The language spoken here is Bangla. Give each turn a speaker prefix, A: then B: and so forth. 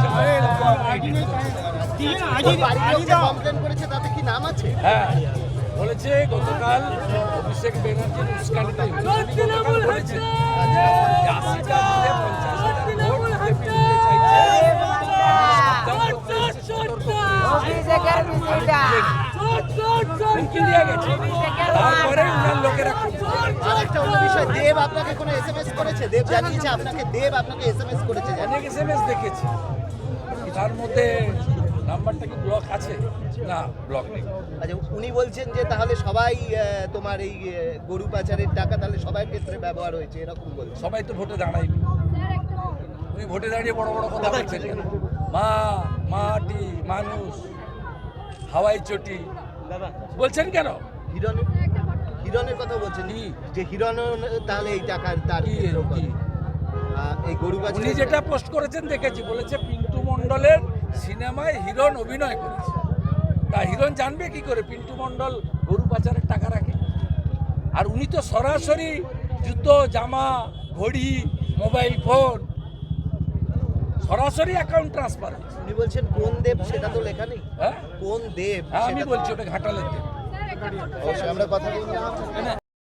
A: কমপ্লেন করেছে, তাতে কি নাম আছে?
B: হ্যাঁ বলেছে গতকাল অভিষেক ব্যানার্জির উস্কানিতে বলেছে 80টা দিলে 50,000 ভোট বিজেপি নিতে চাইছে। হুমকি দিয়ে গেছে, তারপরে উনার লোকেরা
A: আর একটা অন্য বিষয়, দেব আপনাকে কোনো এসএমএস করেছে? দেব জানিয়েছে আপনাকে? দেব আপনাকে এসএমএস করেছে?
B: অনেক এসএমএস দেখেছি, তার মধ্যে নাম্বারটা কি ব্লক আছে? না, ব্লক নেই।
A: আচ্ছা, উনি বলছেন যে তাহলে সবাই তোমার এই গরু পাচারের টাকা তাহলে সবার ক্ষেত্রে ব্যবহার হয়েছে, এরকম বলছে।
B: সবাই তো ভোটে দাঁড়ায়নি, উনি ভোটে দাঁড়িয়ে বড় বড় কথা বলছেন কেন? মা, মাটি, মানুষ, হাওয়াই চটি বলছেন কেন?
A: হিরণের কথা বলছেন
B: কি?
A: যে হিরণ তাহলে এই টাকা তার
B: কি
A: এই গরু পাচার।
B: উনি যেটা পোস্ট করেছেন দেখেছি, বলেছে পিন্টু মণ্ডলের সিনেমায় হিরণ অভিনয় করেছে। তা হিরণ জানবে কি করে পিন্টু মণ্ডল গরু পাচারের টাকা রাখে? আর উনি তো সরাসরি জুতো, জামা, ঘড়ি, মোবাইল ফোন সরাসরি অ্যাকাউন্ট ট্রান্সফার।
A: উনি বলছেন কোন দেব সেটা তো লেখা নেই।
B: হ্যাঁ
A: কোন দেব
B: আমি বলছি ওটা ঘাটালের দেব।
A: অবশ্যই আমরা কথা বলবো।